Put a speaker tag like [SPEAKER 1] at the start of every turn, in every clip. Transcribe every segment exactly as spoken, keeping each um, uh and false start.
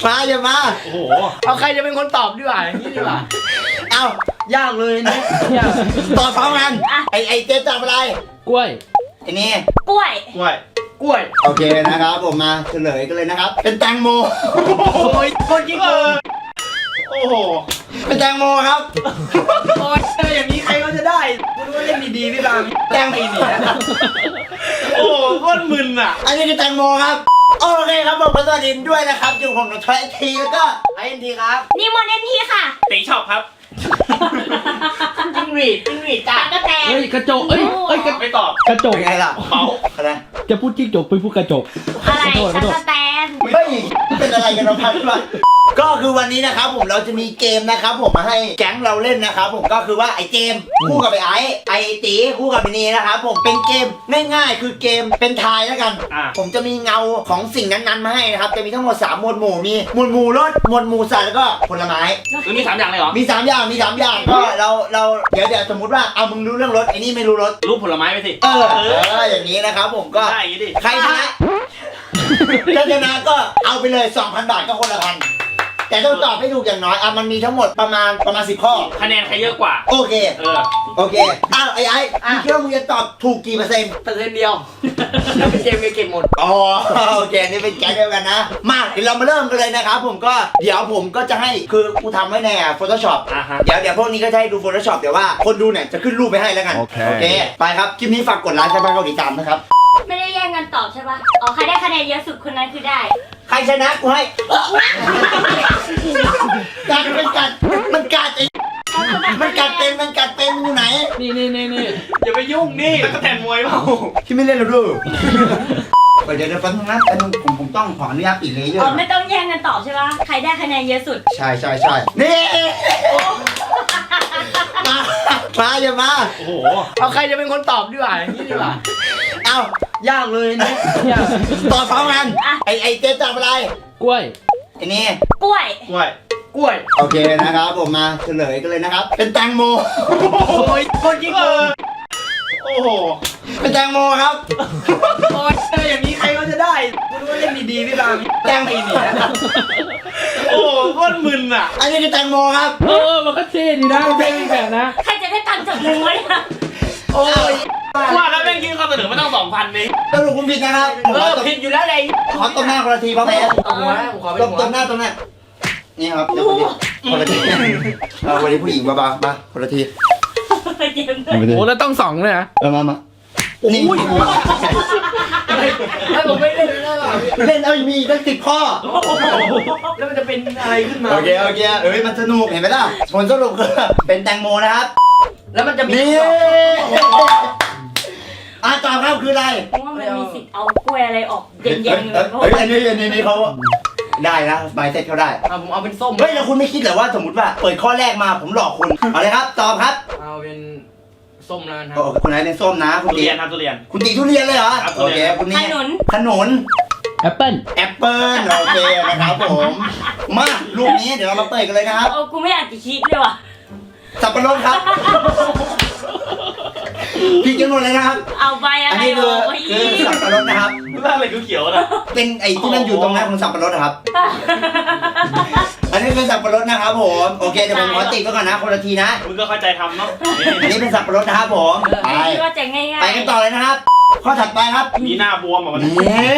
[SPEAKER 1] มาอย่ามา
[SPEAKER 2] โอ้โห
[SPEAKER 3] เอาใครจะเป็นคนตอบดีกว่าอย่างนี้ดีกว่า
[SPEAKER 1] เอายากเลยนะตอบพร้อมกันไอไอเจ๊ตอบอะไร
[SPEAKER 3] กล้วย
[SPEAKER 1] ไอนี่
[SPEAKER 4] กล้วย
[SPEAKER 2] กล้วย
[SPEAKER 3] กล้วย
[SPEAKER 1] โอเคนะครับผมมาเฉลยกันเลยนะครับเป็นแตงโม
[SPEAKER 3] โอ้ยคนยิงเลย
[SPEAKER 2] โอ้โห
[SPEAKER 1] เป็นแตงโมครับ
[SPEAKER 3] โอ้ยอย่างนี้ใครก็จะได้คุณว่าเล่นดีๆพี่บางแตงไปหนี
[SPEAKER 2] โอ้โหโคตรมึนอ่ะ
[SPEAKER 1] อันนี้คือแตงโมครับโอเคครับผมสวัสดีด้วยนะครับอยู่ผมกับทอยทีแล้วก็ไอเอ็นทีครับ
[SPEAKER 4] นิมนต์เอ็นทีค่ะ
[SPEAKER 2] ตีช็อปครับ
[SPEAKER 3] จิ้งหรีดจิ้งหรีดจ้ะ
[SPEAKER 4] กระแตเ
[SPEAKER 3] ฮ้ยกระจกเอ้ยเอ้ย
[SPEAKER 2] ไม่ตอบ
[SPEAKER 3] กระจก
[SPEAKER 1] ไงล่ะ
[SPEAKER 2] เขา
[SPEAKER 1] อะไร
[SPEAKER 3] จะพูดจิ้งจกไปพูดกระจก
[SPEAKER 4] อะไรกระแต
[SPEAKER 1] เฮ้ยเป็นอะไรกันเราพันด้วยก็คือวันนี้นะครับผมเราจะมีเกมนะครับผมมาให้แก๊งเราเล่นนะครับผมก็คือว่าไอเจมคู่กับไอไอไอตีคู่กับไอนีนะครับผมเป็นเกมง่ายๆคือเกมเป็นทายแล้วกันผมจะมีเงาของสิ่งนั้นๆมาให้นะครับจะมีทั้งหมดสามหมวดหมู่มีหมวดหมู่รถหมวดหมู่สัตว์แล้วก็ผลไม้
[SPEAKER 2] มีสามอย่างเลยเหรอ
[SPEAKER 1] มีสามอย่างมีสามอย่างก็เราเราเดี๋ยวเดี๋ยวสมมติว่าเอามึงรู้เรื่องรถไอ้นี่ไม่รู้รถ
[SPEAKER 2] รูปผลไม้ไปสิ
[SPEAKER 1] เออเอออย่างนี้นะครับผมก็
[SPEAKER 2] ได้อย่างนี้ดิ
[SPEAKER 1] ใครชนะถ้าชนะก็เอาไปเลย สองพัน บาทก็คนละพันแต่ต้องตอบให้ถูกอย่างน้อยอ่ะมันมีทั้งหมดประมาณประมาณสิบข้อ
[SPEAKER 2] คะแนนใครเยอะกว่า
[SPEAKER 1] โอเค
[SPEAKER 2] เออ
[SPEAKER 1] โอเคอ้าวไอ้ไอ้มึงคิดว่ามึงจะตอบถูกกี่เปอร์เซ็นต์
[SPEAKER 3] เปอร์เซ็นต์เดียวแล้วเป็นเจมเก็บหมด
[SPEAKER 1] อ๋อโอเคนี่เป็นแก๊งเดียวกันนะมาเดี๋ยวเรามาเริ่มกันเลยนะครับผมก็เดี๋ยวผมก็จะให้คือกูทำไว้ใน Photoshop
[SPEAKER 2] อ่าฮะ
[SPEAKER 1] เดี๋ยวเดี๋ยวพวกนี้ก็จะให้ดู Photoshop เดี๋ยวว่าคนดูเนี่ยจะขึ้นรูปไปให้แล้วกันโอเคโอเคไปครับคลิปนี้ฝากกดไลค์ใช่ไหมกดติดตามนะครับ
[SPEAKER 4] ไม่ได้แย่งกันตอบใช่ปะอ๋อใครได้คะแนนเยอะสุดคนนั้นคือได้
[SPEAKER 1] ใครชนะกูให้กัดมันกัดมันกัดไอ้มันกัดเป็นมันกัดเป็นมันอยู่ไหน
[SPEAKER 3] นี่นี่นี่นี่
[SPEAKER 2] อย่าไปยุ่งนี่แล้วก็แทนมวยเปล่า
[SPEAKER 1] ที่ไม่เล่นหรอกดูเดี๋ยวเดี๋ยวฟังนะแต่ผมผมต้องขออนุญาตปิดเลยเยอะ
[SPEAKER 4] อ๋อไม่ต้องแย่งกันตอบใช่ปะใครได้คะแนนเยอะสุด
[SPEAKER 1] ใช่ใช่ใช่นี่มามาอย่ามา
[SPEAKER 2] โอ้โห
[SPEAKER 3] เอาใครจะเป็นคนตอบดีกว่าอย่างนี้ดีกว่า
[SPEAKER 1] เอายากเลยนะตอบพร้อมกันไอไอเจ๊ตอบอะไร
[SPEAKER 3] กล้วย
[SPEAKER 1] ไอนี่
[SPEAKER 4] กล้วย
[SPEAKER 2] กล้วย
[SPEAKER 3] กล้วย
[SPEAKER 1] โอเคนะครับผมมาเฉลยกันเลยนะครับเป็นแตงโม
[SPEAKER 3] โอ้ยคนยิงเลย
[SPEAKER 2] โอ้โห
[SPEAKER 1] เป็นแตงโมครับ
[SPEAKER 3] โอ้ยอย่างนี้ใครก็จะได้คุณว่าเล่นดีๆพี่บางแตงไปหนี
[SPEAKER 2] โอ้โหโคตรมึนอ่ะ
[SPEAKER 1] อันนี้คือแตงโมครับ
[SPEAKER 3] เออมันก็เท่ดีนะเป็นแบบนะ
[SPEAKER 4] ใครจะได้ตังค์จากมึงวะเนี่ย
[SPEAKER 3] โอ้ย
[SPEAKER 2] ว่าแล้วแม่งยื่นข้อเสนอไม่ต้องสองพันนี่
[SPEAKER 1] สรุปคุณผิดนะครับ
[SPEAKER 3] เออผิดอยู่แล้วเลย
[SPEAKER 1] ขอต้มหน้าคนละทีพร้อมไหม
[SPEAKER 3] เอาหัวผมขอเป็นหัว
[SPEAKER 1] ต้มหน้าต้มหน้านี่ครับเดี๋ยวคนละทีเอาวันนี้ผู้หญิงมาบ้ามาคนละที
[SPEAKER 3] โอ้แล้วต้องสองเลยนะ
[SPEAKER 1] เออมามา
[SPEAKER 3] นี่ถ้าผมไม่เล่นแล้ว
[SPEAKER 1] เล่นเอามีตั้งสิบข้อ
[SPEAKER 3] แล้วมันจะเป็นอะไรขึ้นมา
[SPEAKER 1] โอเคโอเคเอ้ยมันสนุกเห็นไหมล่ะผลสรุปคือเป็นแตงโมนะครับ
[SPEAKER 3] แล้วมันจะมี
[SPEAKER 1] อ่ะตอบครับคืออะไร
[SPEAKER 4] เพราะว่ามันมีสิทธิ์เอากล้วยอะไรออกเย็นๆเลย
[SPEAKER 1] เฮ้ยอันนี้อันนี้เขาได้นะใบเซ็ตเขาได้
[SPEAKER 3] ผมเอาเป็นส้ม
[SPEAKER 1] เฮ้ยแล้วคุณไม่คิดเหรอว่าสมมติว่าเปิดข้อแรกมาผมหลอกคุณเอาเลยครับตอบครับ
[SPEAKER 3] เอาเป็นส้มแล้วนะ
[SPEAKER 1] คุณไหนเป็นส้มนะคุณ
[SPEAKER 2] ตีครับทุเรียน
[SPEAKER 1] คุณตีทุเรียนเลยเหรอโอเคคุณนี่
[SPEAKER 4] ขนุน
[SPEAKER 1] ขนุน
[SPEAKER 3] แอปเปิ้ล
[SPEAKER 1] แอปเปิ้ลโอเคนะครับผมมาลูกนี้เดี๋ยวเรามาเปิดกันเลยนะครับ
[SPEAKER 4] โอ้กูไม่อยากจะคิดเลยว่ะ
[SPEAKER 1] สับปะรดครับพี่กินหมดเลยนะครับ
[SPEAKER 4] เอาใบอะไร
[SPEAKER 1] คือคือสับปะรดนะครับ
[SPEAKER 2] ว่าอะไรเขียวๆนะ
[SPEAKER 1] เป็นไอ้ที่มันอยู่ตรงนั้นของสับปะรดครับอันนี้เป็นสับปะรดนะครับผมโอเคเดี๋ยวผมขอติดไว้ก่อนนะคนละทีนะ
[SPEAKER 2] มึงก็เข้าใจทำเนาะ
[SPEAKER 1] อันนี้เป็นสับปะรดนะครับผม
[SPEAKER 4] ไปว่าจะง่ายๆ
[SPEAKER 1] ไปกันต่อเลยนะครับข้อถัดไปครับ
[SPEAKER 2] มีหน้าบวมอ่ะมัน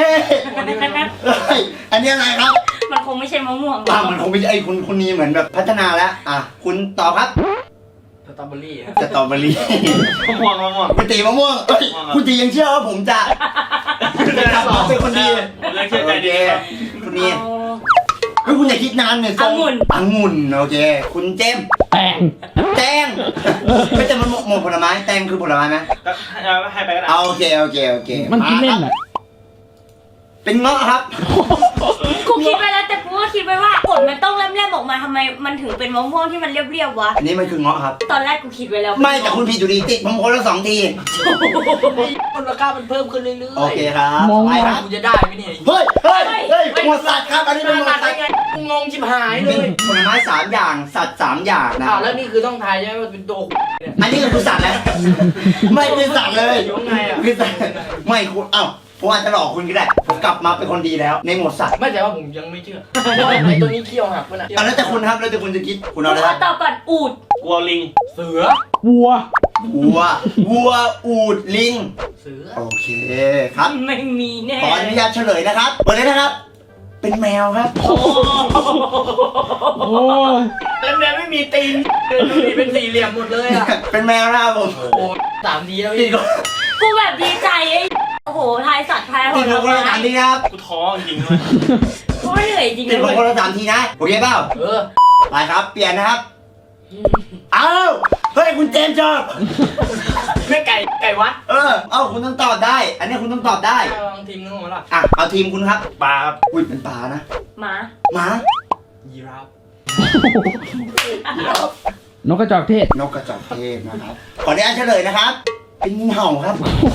[SPEAKER 1] อันนี้อะไรครับ
[SPEAKER 4] มันคงไม่ใช่มะม่วง
[SPEAKER 1] อ่ามันคงไม่ใช่ไอ้คุณคุณนี่เหมือนแบบพัฒนาแล้วอ่ะคุณตอบครับ
[SPEAKER 3] สตรอเบอรี่
[SPEAKER 1] สตรอเบอรี่
[SPEAKER 2] มะม่วงมะม่วง
[SPEAKER 1] คุณตีมะม่วงคุณตียังเชื่อว่าผมจะเป็นคนดี
[SPEAKER 2] เชื่อใจดี
[SPEAKER 1] คุณนี่คือคุณอย่าคิดนานเนี่ย
[SPEAKER 4] องุ่น
[SPEAKER 1] องุ่นโอเคคุณเจม
[SPEAKER 3] แตง
[SPEAKER 1] แตงไม่แต่มันหมดผลไม้แตงคือผลไม้ไหม
[SPEAKER 2] ให้ไปก็ได้
[SPEAKER 1] โอเคโอเคโอเค
[SPEAKER 3] มันกินเล่นอ่ะ
[SPEAKER 1] เป็นเงาะครับ
[SPEAKER 4] กูคิดไปแล้วแต่กูก็คิดไปว่าผลมันต้องเล่มๆออกมาทำไมมันถึงเป็นมะม่วงที่มันเรียบๆวะ
[SPEAKER 1] อันนี้มันคือเงาะครับ
[SPEAKER 4] ตอนแรกกูคิดไว้แล้ว
[SPEAKER 1] ไม่แต่คุณผิดอยู่ดีติดผมคนละสองที
[SPEAKER 3] มูลค่ามันเพิ่มขึ้นเรื่อยๆ
[SPEAKER 1] โอเคครับ
[SPEAKER 3] มองไปครับกูจะได้ไหมเนี่ย
[SPEAKER 1] เฮ้ยเฮ้ยเฮ้ยหมดสัตว์ครับอันนี้เป็นหมดสัตว์
[SPEAKER 3] กูงงชิบหายเลย
[SPEAKER 1] ผลไม้สามอย่างสัตว์สามอย่างนะ
[SPEAKER 3] อ้าวแล้วนี่คือต้องทายใช่ไหมว่าเป็นตัว
[SPEAKER 1] อันนี้คือสัตว์แล้วไม่เป็นสัตว์เลย
[SPEAKER 3] ยังไงอ่ะ
[SPEAKER 1] คือสัตว์ไม่คุณเอ้าผมอาจจะหลอกคุณก็ได้ผมกลับมาเป็นคนดีแล้วในหมวดสัตว์
[SPEAKER 3] ไม่แต่ว่าผมยังไม่เชื่อไอ้ตัวนี้เขี้ยวหักมันอ่ะ
[SPEAKER 1] อ่ะแล้วแต่คุณครับแล้วแต่คุณจะคิดคุณเอา
[SPEAKER 4] กู
[SPEAKER 1] อะไรค
[SPEAKER 4] ขอ
[SPEAKER 1] รับ
[SPEAKER 4] ตอบก่อนอูด
[SPEAKER 2] กลัวลิง
[SPEAKER 3] เสือ
[SPEAKER 5] วัว
[SPEAKER 1] วัววัวอูดลิง
[SPEAKER 3] เสือ
[SPEAKER 1] โอเคครับ
[SPEAKER 4] ไม่มีแน่
[SPEAKER 1] ขออนุญาตเฉลยนะครับเปิดเลยนะครับ เป็นแมวครับ
[SPEAKER 5] โอ้ย
[SPEAKER 3] แล้วแมวไม่มีตีนเลยดูดิเป็นสี่เหลี่ยมหมดเลยอ่ะ
[SPEAKER 1] เป็นแมวนะครับผม
[SPEAKER 3] โอ้โหสามทีแล้ว
[SPEAKER 1] ติ
[SPEAKER 3] พี่
[SPEAKER 1] ดคน
[SPEAKER 4] กูแบบดีใจไอ้โอ้โหทายสัตว์ทายผ
[SPEAKER 1] ติด
[SPEAKER 4] ล
[SPEAKER 1] คนละ
[SPEAKER 4] ไม้
[SPEAKER 1] สามทีนะครับ
[SPEAKER 2] กูท้อจริงๆด้วย
[SPEAKER 4] กูเหนื่อยจริง
[SPEAKER 1] ติด
[SPEAKER 4] เลย
[SPEAKER 1] คนละสามทีนะโอเคเปล่า
[SPEAKER 3] เออ
[SPEAKER 1] ไปครับเปลี่ยนนะครับอ้าวเฮ้ยคุณเจมส์จอบ
[SPEAKER 3] ไม่ไก่ไก่วัด
[SPEAKER 1] เออเอ้าคุณต้องตอบได้ อันนี้คุณต้องตอบได้
[SPEAKER 3] ลองทีมนู้นมาละ
[SPEAKER 1] อ่ะเอาทีมคุณครับ
[SPEAKER 2] ปลาครับ
[SPEAKER 1] อุ้ยเป็นปลานะ
[SPEAKER 4] หมา
[SPEAKER 1] หมา
[SPEAKER 3] ยีราฟ
[SPEAKER 5] นกกระจอกเทศ
[SPEAKER 1] นกกระจอกเทศนะครับขออนุญาตเฉลยนะครับ เป็นงูเห่าครับ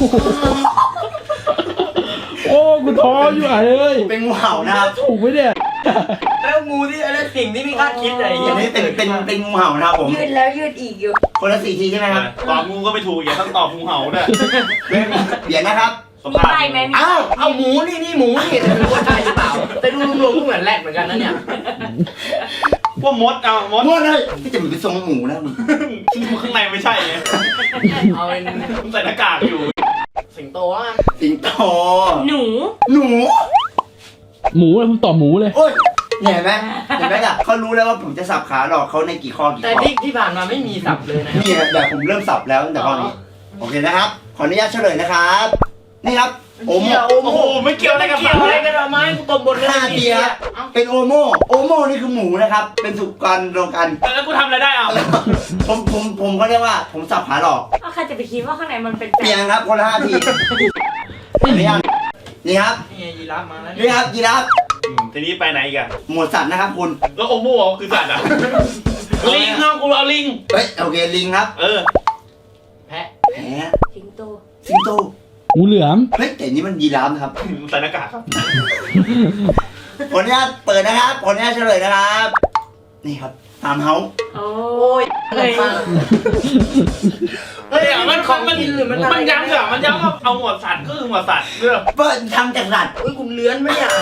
[SPEAKER 5] โอ้กูท้ออยู่อ่ะเลย
[SPEAKER 1] เป็นงูเห่านะครับ
[SPEAKER 5] ถูกไหมเนี่ย
[SPEAKER 3] แล้วงูที่อะไรสิ่งที่ไม่คาดคิดอะไรอย่าง
[SPEAKER 1] อั
[SPEAKER 3] เงี้
[SPEAKER 1] น
[SPEAKER 3] ย
[SPEAKER 1] นี้เป็นเป็นเป็นงูเห่านะครับผม
[SPEAKER 4] ยืดแล้วยืดอีกอยู่
[SPEAKER 1] คนละสี่ทีใช่ไหมครับ
[SPEAKER 2] ตอบงูก็ไม่ถูกอย่าต้องตอบงูเห่าด้วย
[SPEAKER 1] เปลี่ยนนะครับ
[SPEAKER 2] ส
[SPEAKER 4] มี
[SPEAKER 2] ภาพ
[SPEAKER 4] ใบไหมมี
[SPEAKER 1] อ้าว
[SPEAKER 3] เอาหมูนี่นี่หมูนี่แต่ไม่รู้ว่าใช่หรือเปล่าแต่ดูรวมๆก็เหมือนแรดเหมือนกันนะเนี่ย
[SPEAKER 2] พวกมดเอามด
[SPEAKER 1] มั่วเลยที่จะมันเป็นทรงหมูนะมึง
[SPEAKER 2] ข้างในไม่ใช่ไง
[SPEAKER 3] เอาเป็น
[SPEAKER 2] มึงใส่หน้ากากอยู่
[SPEAKER 3] สิงโตอ่ะ
[SPEAKER 1] สิงโต
[SPEAKER 4] หนู
[SPEAKER 1] หนู
[SPEAKER 5] หมูเลยผมตอบหมูเลย
[SPEAKER 1] โอ้ยเนี่ยเห็นไหมเห็นไหมล่ะเขารู้แล้วว่าผมจะสับขาหลอกเขาในกี่ข้อกี่
[SPEAKER 3] แต่
[SPEAKER 1] ข้อ
[SPEAKER 3] ที่ที่ผ่านมาไม่มีสับเลยนะครับ
[SPEAKER 1] นี่นะแบบผมเริ่มสับแล้วตั้งแต่ข้อนี้โอเคนะครับ ขออนุญาตเฉลยนะครับ นี่ครับโอโม
[SPEAKER 3] โอ้
[SPEAKER 2] โอ้
[SPEAKER 3] โห
[SPEAKER 2] โหไม่เกี่ยวอะไรกับ
[SPEAKER 3] เกี่ยวอะไรกันเอาไม้กูตบบนเลย
[SPEAKER 1] ห้าทีครับเป็นโอโมโอโมนี่คือหมูนะครับ เป็นสุกรรวมกัน
[SPEAKER 2] แล้วกูทำอะไรได้เอา
[SPEAKER 1] ผมผมผมเขาเรียกว่าผมสับขาหลอก
[SPEAKER 4] เอาใครจะไปคิดว่าข้างในมันเป็น
[SPEAKER 1] เปลี่ยนครับคนละห้าทีขออนุญาตนี่ครับ
[SPEAKER 3] นี่ไงยีราฟมาแล้ว
[SPEAKER 1] นี่ครับยีราฟ
[SPEAKER 2] อืมทีนี้ไปไหนอีกอะ
[SPEAKER 1] หมวดสัตว์นะครับคุณ
[SPEAKER 2] แล้วโอโม่คือสัตว์อะลิงเอากูเอาลิง
[SPEAKER 1] เฮ้ยโอเคลิงครับ
[SPEAKER 2] เออ
[SPEAKER 3] แพะ
[SPEAKER 1] แหม
[SPEAKER 4] สิงโต
[SPEAKER 1] สิงโต
[SPEAKER 5] งูเหลือม
[SPEAKER 1] เฮ้ยแต่นี่มันยีราฟนะครับ
[SPEAKER 2] ใส่หน้ากากครับ
[SPEAKER 1] ขออนุญาตเปิดนะครับขออนุญาตเฉลยนะครับ นี่ครับตามเฮา
[SPEAKER 4] โอ้
[SPEAKER 3] โอ้ย
[SPEAKER 4] เฮ้ย
[SPEAKER 3] เฮ้ย
[SPEAKER 2] เฮ้ยมัน
[SPEAKER 3] ของ
[SPEAKER 2] มัน
[SPEAKER 3] กินหรือมัน
[SPEAKER 2] มันย้ำเหรอมันย้ำว่าเอาหมวดสัตว์ก็คือหมวดสัตว์เรื่อง
[SPEAKER 1] เปิดทำจากสัตว์
[SPEAKER 3] อุ้ยคุณเลื้อนไหมเนี่ย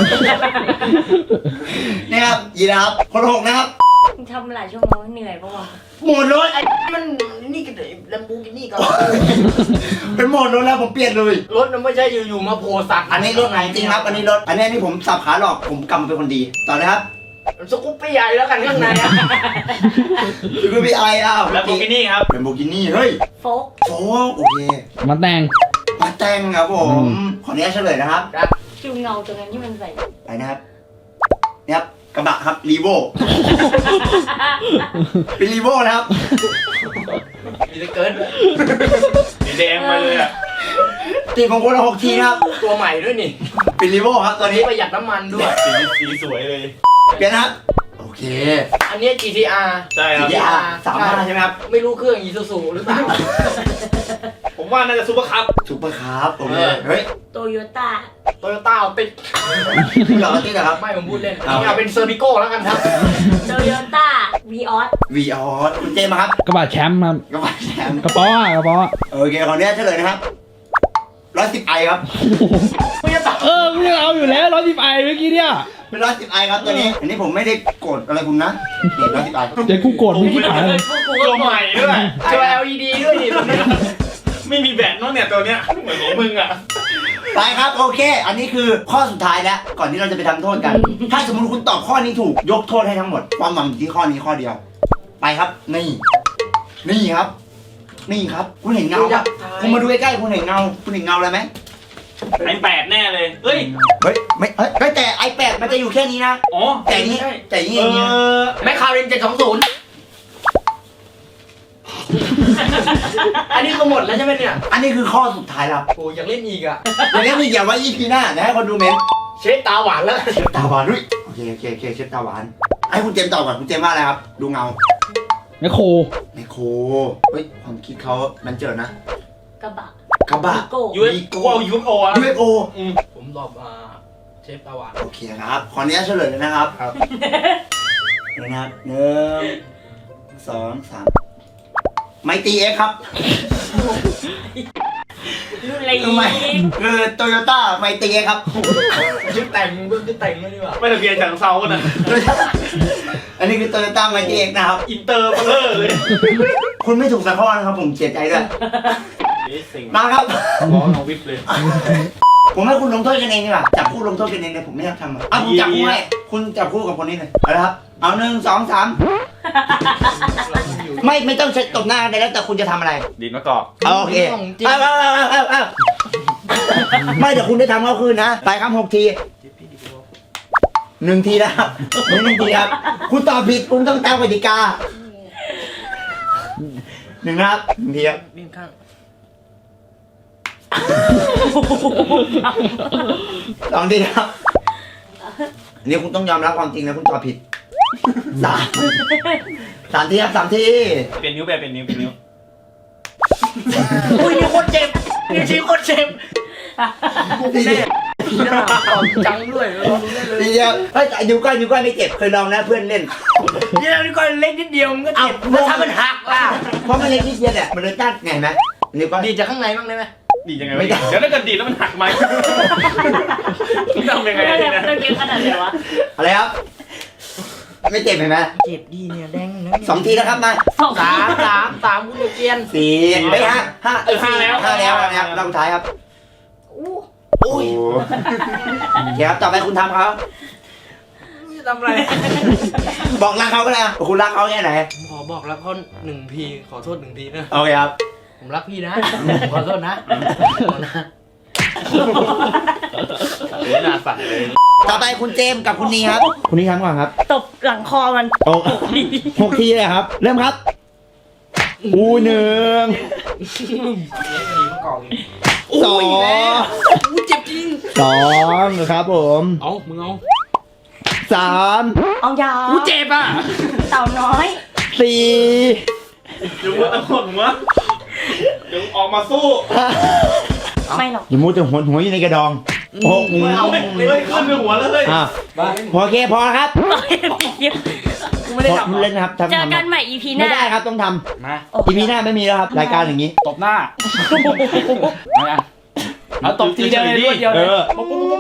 [SPEAKER 1] นี่ครับยีราฟคนหกนะครับ
[SPEAKER 4] มึงทำหลายชั่วโมงเหนื่อยปะวะ
[SPEAKER 1] หมดรถ
[SPEAKER 3] ไอ้มันนี่กันแลมโบกินี่ก่อน
[SPEAKER 1] เป็นหมดรถแล้วผมเปลี่ยนเลย
[SPEAKER 3] รถมันไม่ใช่อยู่ๆมาโผล่สัตว์
[SPEAKER 1] อันนี้รถไหนจริงครับ อันนี้รถอันนี้นี่ผมสับขาหลอกผมกำเป็นคนดีต่อเลยครับ
[SPEAKER 3] สกูปปี้ใหญ่แล้วกันข้างในอ่ะ
[SPEAKER 1] คือพี่ไออ้าว
[SPEAKER 2] แล้วโบกินี่ครับ
[SPEAKER 1] เป็นโบกินี่เฮ้ย
[SPEAKER 4] โฟก
[SPEAKER 1] โฟโอเค
[SPEAKER 5] มาแต่ง
[SPEAKER 1] มาแต่งครับผ
[SPEAKER 5] อื
[SPEAKER 1] ม
[SPEAKER 5] ม
[SPEAKER 1] ขออนุญาตเฉลยนะครับ
[SPEAKER 4] คิวเงาตรงนั้นที่มันใส่
[SPEAKER 1] ไปนะครับนี่ครับกระบะครับรีโวเป็นรีโวนะครับ
[SPEAKER 3] มีแต่เกิน
[SPEAKER 2] สีแดงไปเลยอะ
[SPEAKER 1] ตีของคนละหกทีนะครับ
[SPEAKER 3] ตัวใหม่ด้วยนี่
[SPEAKER 1] เป็นรีโวครับต
[SPEAKER 3] ตั
[SPEAKER 1] อ
[SPEAKER 3] วน นี้
[SPEAKER 1] นี้
[SPEAKER 3] ประหยัดน้ำมันด้วย
[SPEAKER 2] สีสีสวยเลย
[SPEAKER 1] เปลี่ยนนะครับโอเค
[SPEAKER 3] อันนี้ จี ที อาร์
[SPEAKER 2] ใช่ครับ
[SPEAKER 1] สี่อาร์สามห้าใช่ไหมครับ
[SPEAKER 3] ไม่รู้เครื่องอีซูซูหรือเปล่า
[SPEAKER 2] ผมว่าน่าจะซุปเปอร์คัพ
[SPEAKER 1] ซุปเปอร์คาร์บโอเค
[SPEAKER 3] เออ
[SPEAKER 1] เฮ้ย
[SPEAKER 4] โตโยต้า
[SPEAKER 3] โตโยต้าติด
[SPEAKER 1] คุณหลอกกันที่นะครับ
[SPEAKER 3] ไม่ผมพูดเล่น
[SPEAKER 1] เอา
[SPEAKER 3] นี่เอาเป็นเซอร์บิโก้แล้วกันครับ
[SPEAKER 4] โตโยต้าวีออส
[SPEAKER 1] วีออสคุณเจมส์มาครับ
[SPEAKER 5] กระบะแชมป์ครับ
[SPEAKER 1] กระบะแชมป์
[SPEAKER 5] กระป๋ออะกระป๋อ
[SPEAKER 1] โอเคขออนุญาตเฉลยนะครับร้อยสิบไอครับ
[SPEAKER 3] ไม่จะตัด
[SPEAKER 5] เออกูยังเอาอยู่แล้วร้อยสิบไอเมื่อกี้เนี่ย
[SPEAKER 1] เป็นร้อยสิบไอครับตัวนี้ อันนี้ผมไม่ได้โกรธอะไรคุณนะนี่ร้อยสิบไอ
[SPEAKER 5] เดี๋ยวกูโกรธมึงที่ผายเลย
[SPEAKER 2] ตัวใหม่ด้วย
[SPEAKER 3] จอ แอล อี ดี ด้วยนี่
[SPEAKER 2] ไม่มีแบตเน้องเนี่ยตัวเนี้ยเหมือนของมึงอะ
[SPEAKER 1] ไปครับโอเค อันนี้คือข้อสุดท้ายแล้ว ก่อนที่เราจะไปทำโทษกัน ถ้าสมมติคุณตอบข้อนี้ถูกยกโทษให้ทั้งหมด ความหวังอยู่ที่ข้อนี้ข้อเดียว ไปครับ นี่ นี่ครับ นี่ครับ คุณเห็นเงาปะคุณมาดูใกล้ๆคุณเห็นเงา คุณเห็นเงาอะไรไหม
[SPEAKER 2] ไอแปดแน่เลย เฮ้ย
[SPEAKER 1] เฮ้ยไม่เฮ้ยเฮ้ยแต่ไอแปดมันจะอยู่แค่นี้นะ
[SPEAKER 2] อ๋อ
[SPEAKER 1] แต่นี้แต่นี้
[SPEAKER 2] เอ
[SPEAKER 1] อย่างเงี้ย
[SPEAKER 2] อ
[SPEAKER 3] แมคคารินเจ็ดสองศูนย์อันนี้ก็หมดแล้วใช่ไหมเนี่ย
[SPEAKER 1] อันนี้คือข้อสุดท้ายแล้ว
[SPEAKER 3] โอ้อยากเล่นอีกอ่ะ
[SPEAKER 1] อย่างนี้มีเกี่ยวว่า อี พี หน้านะให้คนดูเมนต์
[SPEAKER 3] เชฟตาหวานแล้ว
[SPEAKER 1] เชฟตาหวานด้วยโอเคโอเคโอเคเชฟตาหวานไอ้คุณเจมส์ตอบก่อนคุณเจมส์ว่าอะไรครับ ดูเงา
[SPEAKER 5] แมคโคร
[SPEAKER 1] ไมโครเฮ้ยความคิดเขามันเจอนะ
[SPEAKER 4] กระบะ
[SPEAKER 1] กระบะ
[SPEAKER 4] โก้
[SPEAKER 2] ยูเอฟกูเอายูเอฟโออะ
[SPEAKER 1] ยู เอฟ โอ
[SPEAKER 2] อืม
[SPEAKER 3] ผมตอบอ่าเชฟตาหวาน
[SPEAKER 1] โอเคครับ ขออนุญาตเฉลยเลยนะครับ
[SPEAKER 2] ครับ
[SPEAKER 1] นี่นะครับหนึ่งสองสามไมตีเอ็กครับ
[SPEAKER 4] รุ่นอะไร
[SPEAKER 1] ทำไมคือโตโยต้าไมตีครับ
[SPEAKER 3] ชุดแต่งมึงชุดแต่งไม่ดีกว่า
[SPEAKER 2] ไม่ทะเบียนจากเซากันนะ
[SPEAKER 1] อันนี้คือโตโยต้าไมตีนะครับ
[SPEAKER 2] อินเตอร์เบลอเลย
[SPEAKER 1] คุณไม่ถูกสักข้อนะครับผมเสียใจด้วย
[SPEAKER 2] นี่สิ่ง
[SPEAKER 1] มาครับ
[SPEAKER 2] ร้องน้องวิบเลย
[SPEAKER 1] ผมให้คุณลงโทษกันเองดีกว่าจับคู่ลงโทษกันเองเลยผมไม่อยากทำอ่ะเอาผมจับคู่ให้คุณจับคู่กับคนนี้เลยเอาละครับเอาหนึ่งสองสามไม่ไม่ต้องเช็ดตบหน้ากันเลยแล้วแต่คุณจะทำอะไร
[SPEAKER 2] ดีนมะกอก
[SPEAKER 1] เอาโอเคเอาเอาเอาเอาเอาเอาไม่เดี๋ยวคุณได้ทำเขาคืนนะไปครับหกทีหนึ่งทีนะครับหนึ่งทีครับคุณตอบผิดคุณต้องตามกติกาหนึ่งนะครับหนึ่งทีครับ
[SPEAKER 3] วิ่งข้าง
[SPEAKER 1] สองทีครับอันนี้คุณต้องยอมรับความจริงนะคุณตอบผิดสามสามทีครับสามที
[SPEAKER 2] เปลี่ยนนิ้วแบบเปลี่ยนนิ้วเปลี่ยนนิ้ว
[SPEAKER 3] อุ้ยนี่โคตรเจ็บนี่ชี้โคตรเจ็บ
[SPEAKER 1] ทีเดียว
[SPEAKER 3] หน้าตอนจังด้วยเรารู้ได้เลย
[SPEAKER 1] ทีเดียวเฮ้ยนิ้วก้อยนิ้วก้อยไม่เจ็บเคยลองนะเพื่อนเล่น
[SPEAKER 3] นี่เรานี่ก็เล็กนิดเดียวมันก็เจ็บ
[SPEAKER 1] เอ้า
[SPEAKER 3] แล้วถ้ามันหักล่ะ
[SPEAKER 1] เพราะมันเล็กนิดเดียวเนี่ยมันเลยตัดไงไหมนิ้วก้อย
[SPEAKER 3] ดีจากข้างในบ้างได้ไหม
[SPEAKER 2] ดียังไง
[SPEAKER 1] ไม่ได้
[SPEAKER 2] เดี๋ยวถ้าเกิดดีแล้วมันหักไหมทำยังไง
[SPEAKER 4] ไม่
[SPEAKER 2] ดี
[SPEAKER 4] ได้
[SPEAKER 2] นะ
[SPEAKER 4] ต้องเก็บขนาดไหนวะ
[SPEAKER 1] อะไรครับไม่เจ็บเห็นไหม
[SPEAKER 3] เจ็บดีเนี่ยแดงนะ
[SPEAKER 1] สองทีนะครับมา
[SPEAKER 4] สอง
[SPEAKER 3] สามสามสามคุณเจียน
[SPEAKER 1] สี่ไม่ห้าห้า
[SPEAKER 2] เออห้าแล้ว
[SPEAKER 1] ห้าแล้วห้าแล้วรอบสุดท้ายครับ
[SPEAKER 4] อู้
[SPEAKER 1] อุ้ยโอเคครับต่อไปคุณทำเขา
[SPEAKER 3] ทำอะไร
[SPEAKER 1] บอกรักเขาก็ได้คุณรักเขาแค่ไหน
[SPEAKER 3] ผมขอบอกรักเขาหนึ่งทีขอโทษหนึ่งทีนะ
[SPEAKER 1] โอเคครับ
[SPEAKER 3] ผมรักพี่นะขอโทษนะขอนะ
[SPEAKER 2] เดี๋ยวหน้าสั่นเลย
[SPEAKER 1] ต่อไปคุณเจมส์กับคุณนีครับ คุณนีทำก่อนครับ
[SPEAKER 4] ตบหลังคอมัน
[SPEAKER 1] โอ้หกทีเลยครับ เริ่มครับอูหนึ่งสอง
[SPEAKER 3] อู้เจ็บจริง
[SPEAKER 1] สองครับผม
[SPEAKER 3] เอามึงเอา
[SPEAKER 1] สาม
[SPEAKER 4] เอายา
[SPEAKER 3] อู้เจ็บอ่ะ
[SPEAKER 4] เต่าน้อย
[SPEAKER 1] สี่
[SPEAKER 2] เดี๋ยวว่าตะโกนหัวเดี๋ยวออกมาสู้
[SPEAKER 1] ห้า
[SPEAKER 4] ไม่หรอก
[SPEAKER 1] อย่ามูดแต่หัวหัวอยู่ในกระดองหก
[SPEAKER 2] เอาเลยขึ้นไปหัวเลย
[SPEAKER 1] อ่ะพอโอเคพอครับ
[SPEAKER 3] กูไม่ได้
[SPEAKER 1] พอ
[SPEAKER 3] ทำ
[SPEAKER 1] เล่นนะครับทำ
[SPEAKER 4] เจอ
[SPEAKER 1] ทำ
[SPEAKER 4] กันใหม่ อี พี ห
[SPEAKER 1] ไม่
[SPEAKER 4] น้า
[SPEAKER 1] ได้ครับต้องท
[SPEAKER 3] มา
[SPEAKER 4] โอ
[SPEAKER 1] ำ
[SPEAKER 4] เค
[SPEAKER 1] อีพีหน้าไม่มีแล้วครับรายการอย่างนี้
[SPEAKER 5] ตบหน้าเอาอ่ะเอาตบทีเดียวเลยรวดเดียว
[SPEAKER 1] เอ
[SPEAKER 5] เลย
[SPEAKER 1] อ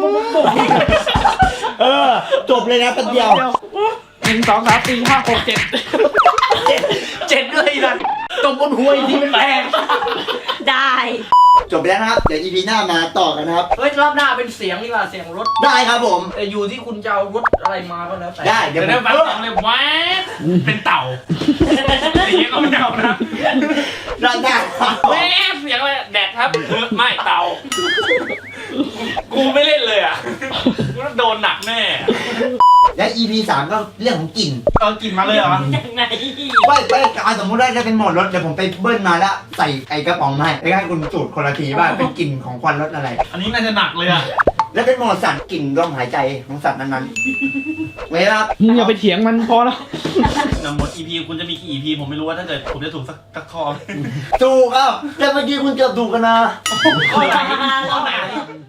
[SPEAKER 1] เออ จบเลยนะแป๊บเดียว
[SPEAKER 5] หนึ่งสองสามสี่ห้าหกเจ็ด
[SPEAKER 3] เจ็บด้วยนะตบบนหัวอีกทีมันแรง
[SPEAKER 4] ได้
[SPEAKER 1] จบไปแล้วนะครับ เดี๋ยวอีพีหน้ามาต่อกันนะครับ
[SPEAKER 3] เฮ้ยรอบหน้าเป็นเสียงดีกว่าเสียงรถ
[SPEAKER 1] ได้ครับผม
[SPEAKER 3] แต่อยู่ที่คุณจะเอารถอะไรมาก็แล้วแต่
[SPEAKER 1] ได้เดี๋
[SPEAKER 2] เดี๋
[SPEAKER 1] ย
[SPEAKER 2] ยว ว
[SPEAKER 1] ผ
[SPEAKER 2] ได้
[SPEAKER 1] ม
[SPEAKER 2] ฟังเสียงเลยแหวบเป็นเต่าอย่างเงี้ยก็ไม่เอานะ
[SPEAKER 1] รอบหน้า
[SPEAKER 2] แหวบเสียงอะไรแดดครับเออไม่เต่า กูไม่เล่นเลยอ่ะกูต้องโดนหนักแน่
[SPEAKER 1] และ อี พี สามก็เรื่องของกลิ่น
[SPEAKER 2] เอากินมาเลยเหรอ
[SPEAKER 4] ยังไง
[SPEAKER 1] ว่าไปเอาสมมติว่าจะเป็นโหมดรถเดี๋ยวผมไปเบิ้ลมาแล้วใส่ไอ้กระป๋องมาให้แล้วให้คุณสูตรคนละทีว่าเป็นกลิ่นของควันรถอะไร
[SPEAKER 2] อันนี้น่าจะหนักเลยอ่ะ
[SPEAKER 1] แล้วเป็นโหมดสัตว์กลิ่นลมหายใจของสัตว์นั้นๆไว้ครับ
[SPEAKER 5] มึงอย่าไปเถียงมันพอแล้ว
[SPEAKER 2] นำหมด อี พี คุณจะมีกี่ อี พี ผมไม่รู้ว่าถ้าเกิดผมจะถูกสักสักข้อ
[SPEAKER 1] ถูกเอ้าแต่เมื่อกี้คุณเกือบถูกกันนะ
[SPEAKER 2] ข้อไหนข้อไหน